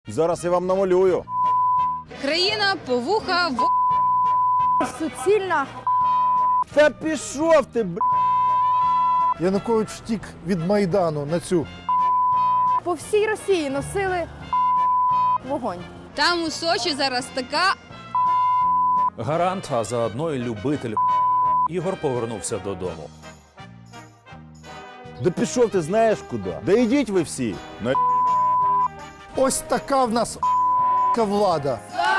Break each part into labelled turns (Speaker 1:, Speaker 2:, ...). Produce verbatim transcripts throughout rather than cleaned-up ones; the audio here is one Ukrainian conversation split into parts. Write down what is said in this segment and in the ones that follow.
Speaker 1: Зараз я вам намалюю.
Speaker 2: Країна повуха в...
Speaker 3: Суцільна.
Speaker 1: Та пішов ти, б***.
Speaker 4: Янукович втік від Майдану на цю.
Speaker 3: По всій Росії носили вогонь.
Speaker 2: Там у Сочі зараз така...
Speaker 5: Гарант, а заодно і любитель Ігор повернувся додому.
Speaker 1: Да пішов ти знаєш куди. Да йдіть ви всі. На...
Speaker 4: Ось така в нас влада.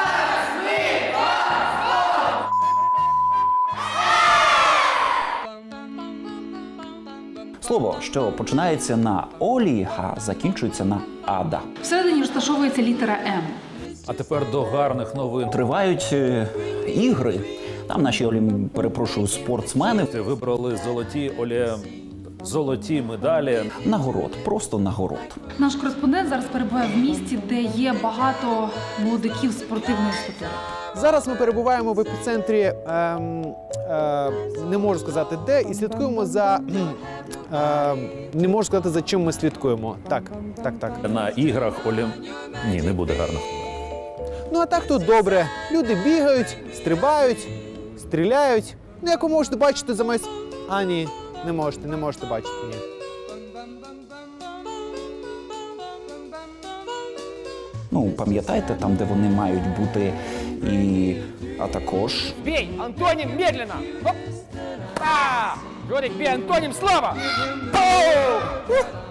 Speaker 6: Слово, що починається на Олі, а закінчується на Ада.
Speaker 7: Всередині розташовується літера М.
Speaker 5: А тепер до гарних новин.
Speaker 6: Тривають е, ігри. Там наші Олі, перепрошую, спортсмени.
Speaker 5: Вибрали золоті Олі... золоті медалі.
Speaker 6: Нагород, просто нагород.
Speaker 7: Наш кореспондент зараз перебуває в місті, де є багато молодиків спортивної статури.
Speaker 8: Зараз ми перебуваємо в епіцентрі, ем, е, не можу сказати де, і слідкуємо за, е, не можу сказати, за чим ми слідкуємо. Так, так, так.
Speaker 5: На іграх Олі... Ні, не буде гарних новин.
Speaker 8: Ну а так тут добре. Люди бігають, стрибають, стріляють. Ну, як ви можете бачити за майс... А, ні, не можете, не можете бачити, ні.
Speaker 6: Ну, пам'ятаєте, там, де вони мають бути, і... а також...
Speaker 9: Бей, Антоним, медленно! Оп! А! Жорик, бей, Антоним, слава! Оу! Ух!